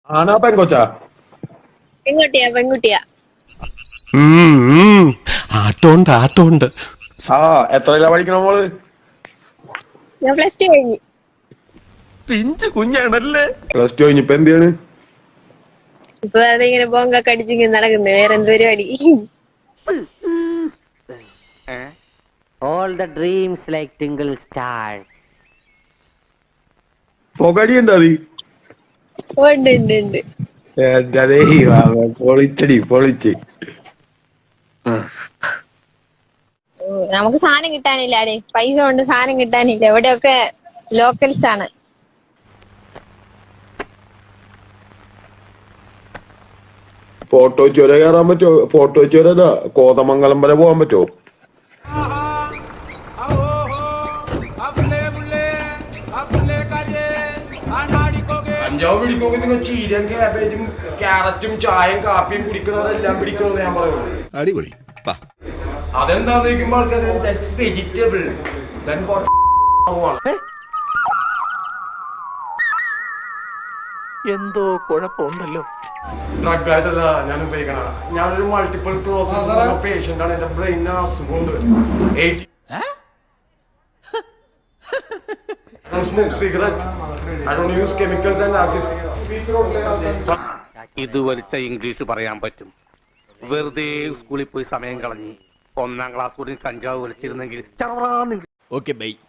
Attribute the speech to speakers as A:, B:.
A: ആണാ പെങ്കൊച്ചാ?
B: പെൺകുട്ടിയാ പെൺകുട്ടിയാ.
C: ആട്ടോണ്ട്
A: ആ എത്രയിലാ പഠിക്കണ മോള്?
B: ഞാൻ പ്ലസ് ടു കഴിഞ്ഞു.
C: പിഞ്ചു കുഞ്ഞാണല്ലേ.
A: പ്ലസ് ടു കഴിഞ്ഞിപ്പോ എന്ത് ചെയ്യാണ്?
B: ഇപ്പൊ അതിങ്ങനെ ബോങ്കൊക്കെ അടിച്ചിങ്ങനെ നടക്കുന്നു. വേറെന്ത് പരിപാടി?
D: All the dreams like twinkle stars.
A: പൊകടി എന്താ അത്?
B: ഉണ്ട് ഉണ്ട് ഉണ്ട്.
A: എന്താ പൊളിച്ചടി പൊളിച്ച്.
B: നമുക്ക് സാധനം കിട്ടാനില്ല അടേ. പൈസ കൊണ്ട് സാധനം കിട്ടാനില്ല. ഇവിടെയൊക്കെ ലോക്കൽസ് ആണ്.
A: ഫോട്ടോ ചുര കയറാൻ പറ്റുമോ? ഫോട്ടോ ചുരല്ല, കോതമംഗലം വരെ പോകാൻ പറ്റുമോ? കഞ്ചാവ് പിടിക്കുമെങ്കിൽ നിങ്ങൾ ചീരയും കാബേജും ക്യാരറ്റും ചായയും കാപ്പിയും കുടിക്കുന്നവരെല്ലാം പിടിക്കണമെന്ന് ഞാൻ പറയുന്നത്.
C: അടിപൊളി.
A: അതെന്താ ചോദിക്കുമ്പോൾ ആൾക്കാർ വെജിറ്റബിൾ
E: എന്തോ കുഴപ്പമുണ്ടല്ലോ.
A: ഡ്രഗ് ആയിട്ടല്ല ഞാൻ ഉപയോഗിക്കണ. ഞാനൊരു മൾട്ടിപ്പിൾ പ്രോസസ് പേഷ്യന്റ് ആണ്. എന്റെ ബ്രെയിനിന് അസുഖമുണ്ട്. I don't smoke cigarette. I don't use chemicals and acids.
E: ഇത് വലിച്ച ഇംഗ്ലീഷ് പറയാൻ പറ്റും. വെറുതെ സ്കൂളിൽ പോയി സമയം കളഞ്ഞ് 1ാം ക്ലാസ് കൂടി കഞ്ചാവ് വലിച്ചിരുന്നെങ്കിൽ.
C: Okay bye.